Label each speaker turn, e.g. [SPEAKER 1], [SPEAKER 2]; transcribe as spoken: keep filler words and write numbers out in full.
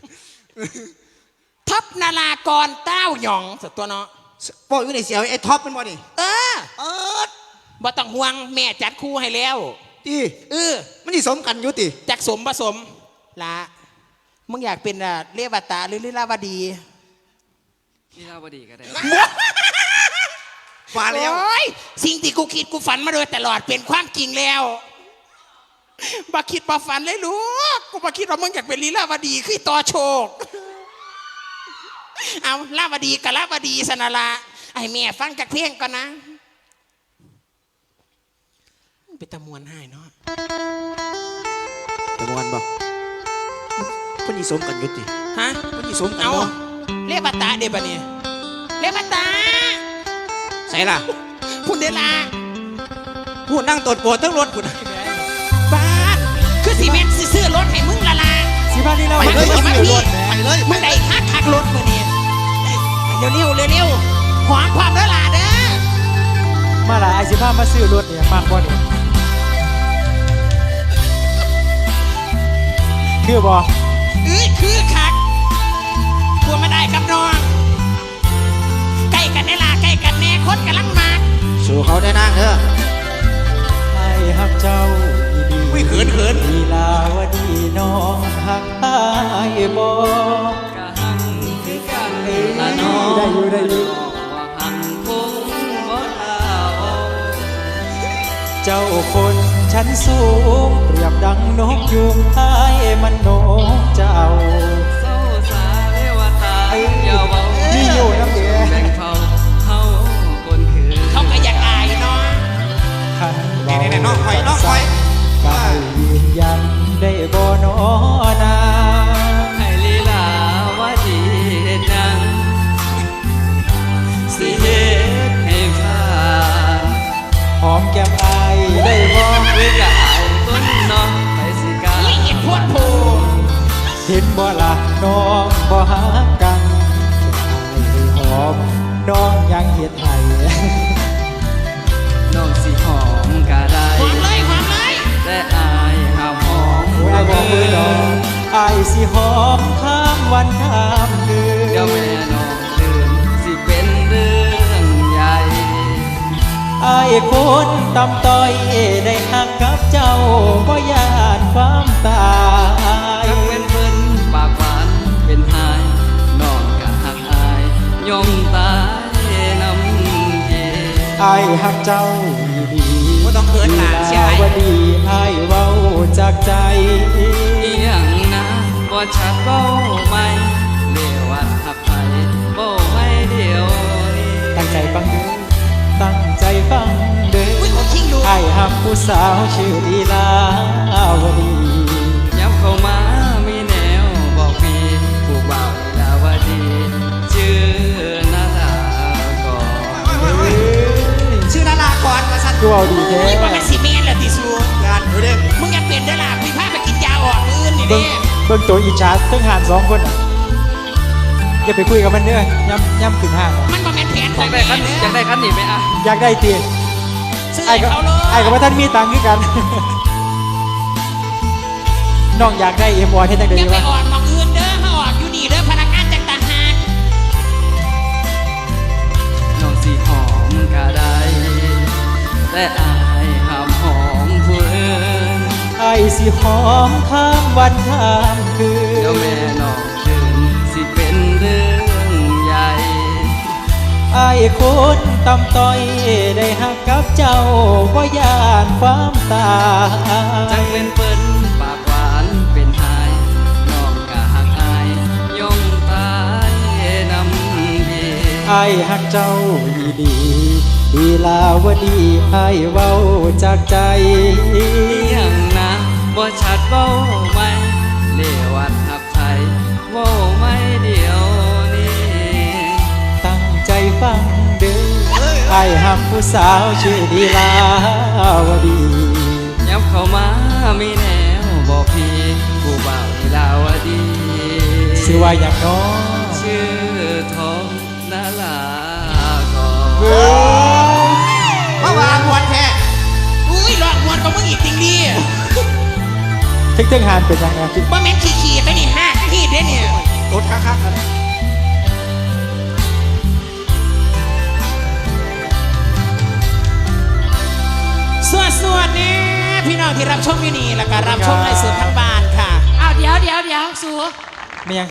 [SPEAKER 1] ท็อปนารากรเต้าหยองสัตว์ตัวเนาะ
[SPEAKER 2] บอกอยู่ในเสียวไอ้ท็อปเป็นบ่นี่
[SPEAKER 1] เออเออบ่ต้องห่วงแม่จัดคู่ให้แล้ว
[SPEAKER 2] ตี
[SPEAKER 1] เออ
[SPEAKER 2] มันสิสมกันอยู่ติ
[SPEAKER 1] จักสมผสมละมึงอยากเป็นอะเลวตาหรือลีลาวดี
[SPEAKER 3] ลีลาวดีก็ได้
[SPEAKER 2] ฝันแล้ว
[SPEAKER 1] สิ่งที่กูคิดกูฝันมาโดยตลอดเป็นความจริงแล้วบ่คิดบ่ฝันเลยลูกกูบ่คิดว่ามึงอยากเป็นลีลาวดีคือต่อโชคเอาลาวดีกับลาวดีสนาละไอ้แม่ฟังจากเพลงก่อนนะเป็นตะมวนให้เนาะ
[SPEAKER 2] ตะมวนบ่เพิ่นสิสมกันอยู่ติ
[SPEAKER 1] ฮะ
[SPEAKER 2] เพิ่นสิสมกันบ่
[SPEAKER 1] เลวตาเด้บ่นี่เลวตา
[SPEAKER 2] ใส่ล่ะ
[SPEAKER 1] พูดเดล่ะ
[SPEAKER 2] พูดนั่งตดปวดทั้งรถพุ่น
[SPEAKER 1] บ้านคือสีเมนซื้อรถให้มึงละละ
[SPEAKER 2] สิบ้านนี้เรา
[SPEAKER 1] ไปเลย
[SPEAKER 2] มา
[SPEAKER 1] พี่
[SPEAKER 2] ไปเลย
[SPEAKER 1] มึงได้คักคักรถมือนี่เร็วเร็วเร็วเร็วหอมความเด้อล่ะเด้อ
[SPEAKER 4] มาละไอสิบ้ามาซื้อรถเนี่ยมากกว่านี่คือบ่
[SPEAKER 1] เอ้ยคือคักกลัวไม่ได้กับน้องใกล้กันได้ล่ะใกล้กันแน่คนกำลังมา
[SPEAKER 2] สู่เขาได้นั่งเถอะ
[SPEAKER 4] ไอ้ฮักเจ้าดี
[SPEAKER 2] วิ่งเขินเขิน
[SPEAKER 4] ลีลาวดีน้องฮักไอ้บ่
[SPEAKER 3] กะหังคือกันละน้อง
[SPEAKER 4] ได้อยู่ได้อยู่
[SPEAKER 3] ว่าหังคงบ่ลา
[SPEAKER 4] เจ้าคนชั้นสูงเปรียบดังนกยุงไอ้มันนกเจ้า
[SPEAKER 3] เศร้าสาเลวตาอย่าเว้า
[SPEAKER 4] นี่อยู่น้ำเดีย
[SPEAKER 3] แบ่งเผาเฮาคนคือ
[SPEAKER 1] เขาก็อยากอายเนาะ
[SPEAKER 4] ขัน
[SPEAKER 2] เน่ๆน้องคอยน้องคอย
[SPEAKER 4] กายยืนยันได้บ่นอนา
[SPEAKER 3] ให้ลีลาวดีเฮ็ดจังสิเฮ็ดให้ผ่าน
[SPEAKER 4] หอมแก้มอายได้บ่
[SPEAKER 3] หรืออยากอายต้นน้องไปสิกา
[SPEAKER 1] ละเอียดพวดโผ
[SPEAKER 4] เห็นบ่ล่ะน้องบ่หากันให้หอมน้องยังเฮ็ดให้
[SPEAKER 3] น้องสิหอมก็ได้
[SPEAKER 1] หอมเลยหอมเลย
[SPEAKER 3] แต่อายห้ามหอม
[SPEAKER 4] โอ้ยบอกมือน้องอายสิหอมข้ามวันข้ามคืน
[SPEAKER 3] เดี๋ยวแม่น้องตื่นสิเป็นเรื่องใหญ่
[SPEAKER 4] อายคนตำต้อยได้หักกับเจ้าบ่ยานความตาย
[SPEAKER 3] จักเป็นเพิ่นปากหวานเป็นหายน้องก็หักอายยอมตายน้ำเย็น
[SPEAKER 4] อายหักเจ้าดี
[SPEAKER 1] บ่ต้องเขินหลานใช่
[SPEAKER 4] ว่าดีอายเว้าจากใจ
[SPEAKER 3] อีหยังนะบ่ชัดเว้าไหมเลวัดหักไผเว้าไม่เดียวนี้
[SPEAKER 4] ตั้งใจฟังเด้อตั้งใจฟังเด้ออายหักผู้สาวชื่อลีลาวดี
[SPEAKER 3] ย้ำเข้ามามีแนวบอกพี่ผู้บ่าวลีลาวดีชื่อนาลากร
[SPEAKER 2] ชื่อนาลากรมาสั่น
[SPEAKER 4] กูเอาดีแท้
[SPEAKER 1] นี่ว่ามันสิเมนแหละติสู
[SPEAKER 2] งานดูดิ
[SPEAKER 1] มึงอยากเปลี่ยนเด้อล่ะคุยพาไปกินยาอ่อนอื่นนี่เด้
[SPEAKER 4] เบิ่งตัวอีชาร์ทั้งหานสองคนอย่าไปคุยกับมันเด้อย่ำย่ำขึ้นห้าง
[SPEAKER 1] มันบ่แม่นแผนของ
[SPEAKER 3] อยากได้คันอยากได้คันหนีไหมอ่ะ
[SPEAKER 4] อยากได้เตีย
[SPEAKER 1] ไอ้เขาเลย
[SPEAKER 4] ไอ้กับว่าท่านมีตังค์คือกันน้องอยากได้เอ็มวอนให้ตั้งแต่
[SPEAKER 1] ยังไป
[SPEAKER 4] วะ
[SPEAKER 1] อ่อนมองอื่นเด้อมาออกอยู่นี่เด้อพนักงานจากต่างหาก
[SPEAKER 3] น้องสิหอมก็ได้แต่อายห้ามหอมผู้อื่น
[SPEAKER 4] ไอ้สิหอมข้ามวันข้ามคืน
[SPEAKER 3] เดี๋ยวแม่น้องตื่นสิเป็นเรื่องใหญ่
[SPEAKER 4] ไอ้คนตำต้อยได้หักกับเจ้าบ่ยานความตาย
[SPEAKER 3] จังเป็นเปิ้นปากหวานเป็นหายน้องก็หักอายยอมตายน้ำดี
[SPEAKER 4] ไอ้หักเจ้าดีดีดีลาวดีไอ้เว้าจากใจ
[SPEAKER 3] อย่างนะบ่ชัดเว้าไหมเลวัดหักไผเว้าไม่เดียวนี้
[SPEAKER 4] ตั้งใจฟังเด้อไอ้หักผู้สาวชื่อดีลาวดี
[SPEAKER 3] ยับเข้ามามีแนวบอกพี่ผู้บ่าวลีลาวดี
[SPEAKER 4] ชื่อว่าอย่างน้อ
[SPEAKER 3] ชื่อทองนาลาก
[SPEAKER 2] รมาวางวันแท้
[SPEAKER 1] อุ้ยหลอกมวนกับมึงอีกจริงดิ
[SPEAKER 4] ทึ่งๆหานเป็นยังไง
[SPEAKER 1] ว่าแม่นขี้ๆไปนี่ห้าขี้เด้เนี่ย
[SPEAKER 2] กกัน
[SPEAKER 1] สวดสวดนี่พี่น้องที่รับชมอยู่นี่แล้วก็รับชมไลฟ์สดทั้งบ้านค่ะ
[SPEAKER 5] อ้าวเดี๋ยวเดี๋ยวเดี๋ยวสู
[SPEAKER 4] ไม่ยัง